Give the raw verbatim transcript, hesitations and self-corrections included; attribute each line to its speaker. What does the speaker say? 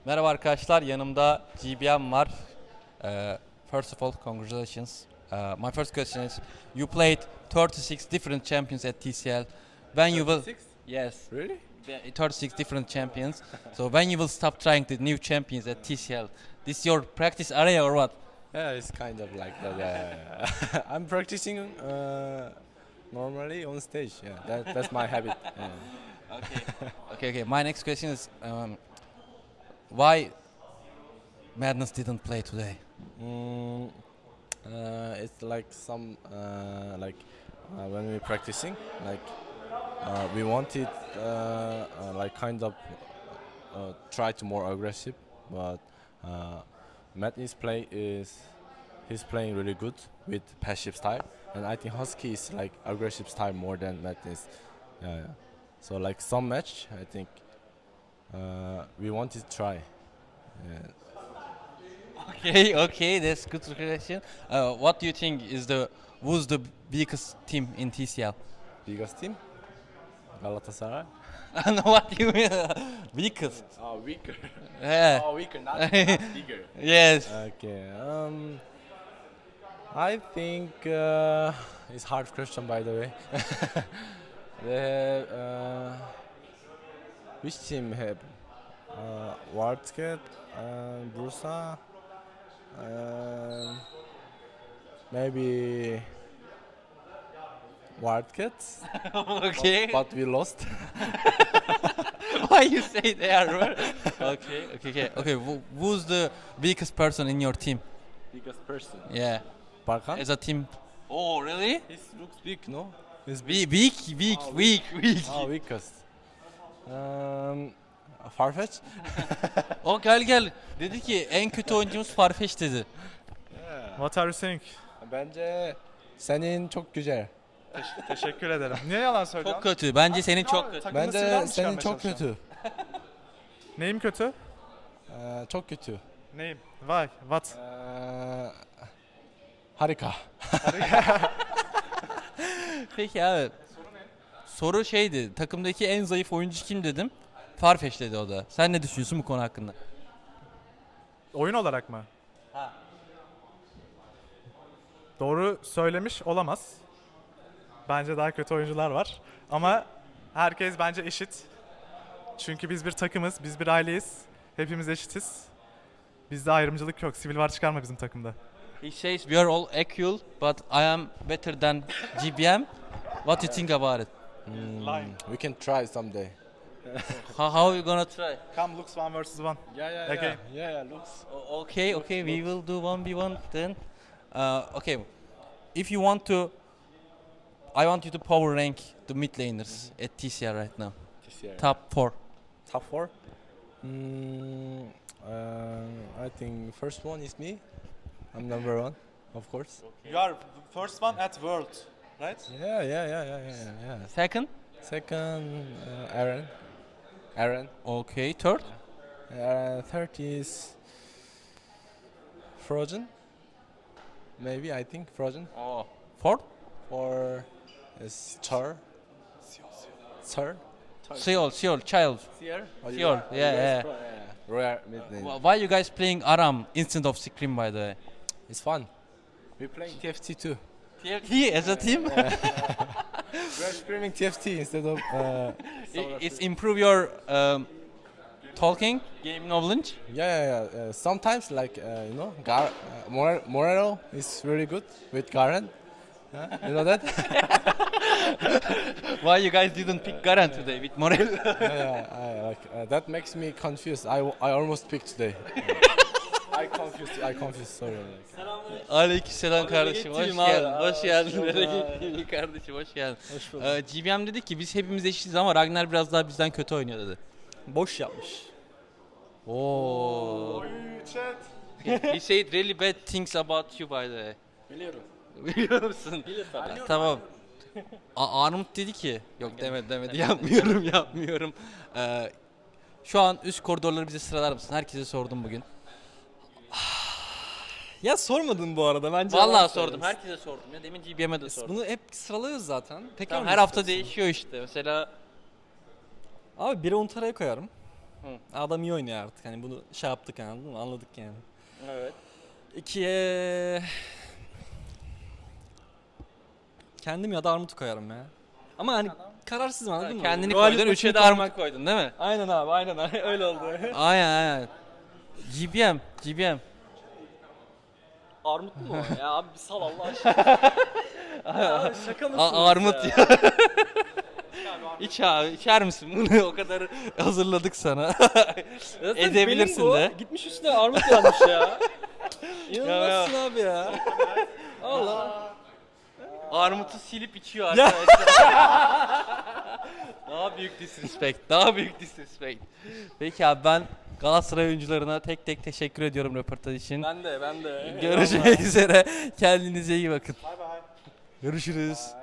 Speaker 1: Merhaba arkadaşlar, yanımda G B M var. Uh, first of all, congratulations. Uh, my first question is, you played thirty-six different champions at T C L. When you will,
Speaker 2: thirty-six?
Speaker 1: yes,
Speaker 2: Really?
Speaker 1: thirty-six different champions. So when you will stop trying the new champions at T C L, this your practice area or what?
Speaker 2: Yeah, it's kind of like that. Yeah, yeah. I'm practicing uh, normally on stage. Yeah, that, that's my habit. Yeah.
Speaker 1: Okay. okay, okay. My next question is, um, why Madness didn't play today?
Speaker 2: Mm, uh, it's like some uh, like uh, when we're practicing, like uh, we wanted uh, uh, like kind of uh, try to more aggressive, but uh, Madness play is he's playing really good with passive style, and I think Husky is like aggressive style more than Madness. Yeah, yeah. So like some match, I think uh, we wanted to try. Yeah.
Speaker 1: Okay, okay, that's good question. Uh, what do you think is the who's the biggest team in T C L?
Speaker 2: Biggest team, Galatasaray.
Speaker 1: I know what you mean. Biggest.
Speaker 2: Oh, weaker.
Speaker 1: Yeah.
Speaker 2: Oh, weaker, not, not bigger.
Speaker 1: Yes.
Speaker 2: Okay. Um, I think uh, it's hard question by the way. They have, uh, which team have uh, Wildcat, uh, Bursa, um, maybe Wildcats,
Speaker 1: Okay.
Speaker 2: but we lost.
Speaker 1: Why you say they are? Right? Okay, okay, okay. Okay, who- who's the biggest person in your team?
Speaker 2: Biggest person.
Speaker 1: Yeah.
Speaker 2: Barkan.
Speaker 1: As a team. Oh, really?
Speaker 2: He looks big, no? He's
Speaker 1: Weak, weak, weak,
Speaker 2: Oh,
Speaker 1: weak, weak.
Speaker 2: Oh, weakest. Um, Farfetch.
Speaker 1: O gel gel. Dedi ki en kötü oyuncumuz Farfetch dedi.
Speaker 3: What are you saying?
Speaker 2: Bence senin çok güzel.
Speaker 3: Teşekkür ederim. Niye yalan
Speaker 1: Çok
Speaker 3: söylüyorsun?
Speaker 1: kötü. Bence senin çok kötü.
Speaker 3: Takımda
Speaker 2: Bence
Speaker 3: silah mı
Speaker 2: senin
Speaker 3: çıkarmaya
Speaker 2: çok
Speaker 3: çalışıyorsun?
Speaker 2: kötü.
Speaker 3: Neyim kötü?
Speaker 2: Ee, çok kötü.
Speaker 3: Neyim? Vay, what?
Speaker 2: Ee, harika.
Speaker 1: Peki abi. Soru şeydi. Takımdaki en zayıf oyuncu kim dedim. Farfetch dedi o da. Sen ne düşünüyorsun bu konu hakkında?
Speaker 3: Oyun olarak mı?
Speaker 1: Ha.
Speaker 3: Doğru söylemiş olamaz. Bence daha kötü oyuncular var. Ama herkes bence eşit. Çünkü biz bir takımız, biz bir aileyiz. Hepimiz eşitiz. Bizde ayrımcılık yok. Sivil var çıkarma bizim takımda.
Speaker 1: He says we are all equal but I am better than G B M. What you think about it?
Speaker 2: Hmm,
Speaker 3: Line.
Speaker 2: we can try someday.
Speaker 1: How, how you gonna try?
Speaker 3: Come looks one versus one.
Speaker 2: Yeah, yeah,
Speaker 3: Okay.
Speaker 2: yeah. Yeah, looks.
Speaker 1: O- Okay, okay, we will do one v one then. Uh, okay, if you want to, I want you to power rank the mid laners at T C R right now.
Speaker 2: This year.
Speaker 1: Top four.
Speaker 2: Top four. Hmm, uh, I think first one is me. I'm number one, of course.
Speaker 3: You are first one at world, right?
Speaker 2: Yeah, yeah, yeah, yeah, yeah, yeah.
Speaker 1: Second.
Speaker 2: Second, uh, Aaron. Aaron.
Speaker 1: Okay, third.
Speaker 2: Uh, third is Frozen. Maybe I think Frozen.
Speaker 1: Oh. Fourth.
Speaker 2: Or is Char. Char.
Speaker 1: Seoul, Seoul, child.
Speaker 2: Seer.
Speaker 1: Seoul, yeah, yeah.
Speaker 2: Rare mid lane.
Speaker 1: Wh- Why you guys playing Aram instead of Scream by the way?
Speaker 2: It's fun. We playing T F T too.
Speaker 1: T F T as a team?
Speaker 2: We're screaming T F T instead of. Uh,
Speaker 1: I- It's improve your um, talking, game knowledge.
Speaker 2: yeah, yeah, yeah. Uh, sometimes, like uh, you know, Gar uh, Mor- Morero is really good with Garen. Huh? You know that?
Speaker 1: Why you guys didn't pick Garen today with Morel?
Speaker 2: yeah, yeah, I, like uh, that makes me confused. I, w- I almost picked today. I confused. I confused. Sorry. Like.
Speaker 1: Aleykümselam kardeşim, hoş
Speaker 2: gittiğim abi.
Speaker 1: geldin,
Speaker 2: Aa,
Speaker 1: hoş geldin.
Speaker 2: hoş
Speaker 1: Nereye
Speaker 2: bulduk.
Speaker 1: gittin kardeşim, hoş geldin.
Speaker 4: Hoş bulduk.
Speaker 1: Ee, G B M dedi ki biz hepimiz eşitiz ama Ragnar biraz daha bizden kötü oynuyor dedi.
Speaker 4: Boş yapmış.
Speaker 1: Oo.
Speaker 3: Chat.
Speaker 1: He said really bad things about you by the way.
Speaker 4: Biliyorum.
Speaker 1: Biliyor musun?
Speaker 4: Bilir tabii.
Speaker 1: Tamam. A- Armut dedi ki, yok demedi demedi, yapmıyorum yapmıyorum. Ee, şu an üst koridorları bize sıralar mısın? Herkese sordum bugün.
Speaker 4: Ya sormadın bu arada bence. yalan
Speaker 1: Vallahi sordum,
Speaker 4: söylüyorsun.
Speaker 1: herkese sordum ya. Demin G B M'e de sordum.
Speaker 4: Bunu hep sıralıyoruz zaten. Tekrar
Speaker 1: Tamam,
Speaker 4: mı
Speaker 1: her hafta
Speaker 4: istiyorsun?
Speaker 1: değişiyor işte. Mesela
Speaker 4: Abi biri Ontara'ya koyarım. Adam iyi oynuyor artık. Hani bunu şey yaptık anladın mı? Anladık yani.
Speaker 1: Evet.
Speaker 4: İkiye... Kendim ya da Armut'u koyarım ya. Ama hani kararsızım anladın mı?
Speaker 1: Kendini
Speaker 4: Galip
Speaker 1: koydun, üçe
Speaker 4: maçını
Speaker 1: de
Speaker 4: koymak-
Speaker 1: Armut koydun değil mi?
Speaker 4: Aynen abi aynen öyle oldu.
Speaker 1: Aynen aynen. G B M, G B M.
Speaker 4: Armut mu o? Ya abi bir sal Allah aşkına. Ya abi şaka mısınız
Speaker 1: A- armut ya. İç abi, içer misin bunu? O kadar hazırladık sana.
Speaker 4: Zaten
Speaker 1: Edebilirsin
Speaker 4: benim bu.
Speaker 1: de.
Speaker 4: Gitmiş üstüne armut yazmış ya.
Speaker 1: Ya,
Speaker 4: İnanılmazsın abi ya. Allah.
Speaker 1: Armutu silip içiyor arkadaşlar. Daha büyük disrespect, daha büyük disrespect. Peki abi, ben Galatasaray oyuncularına tek tek teşekkür ediyorum röportaj için.
Speaker 4: Ben de ben de.
Speaker 1: Görüşmek üzere. Kendinize iyi bakın. Görüşürüz.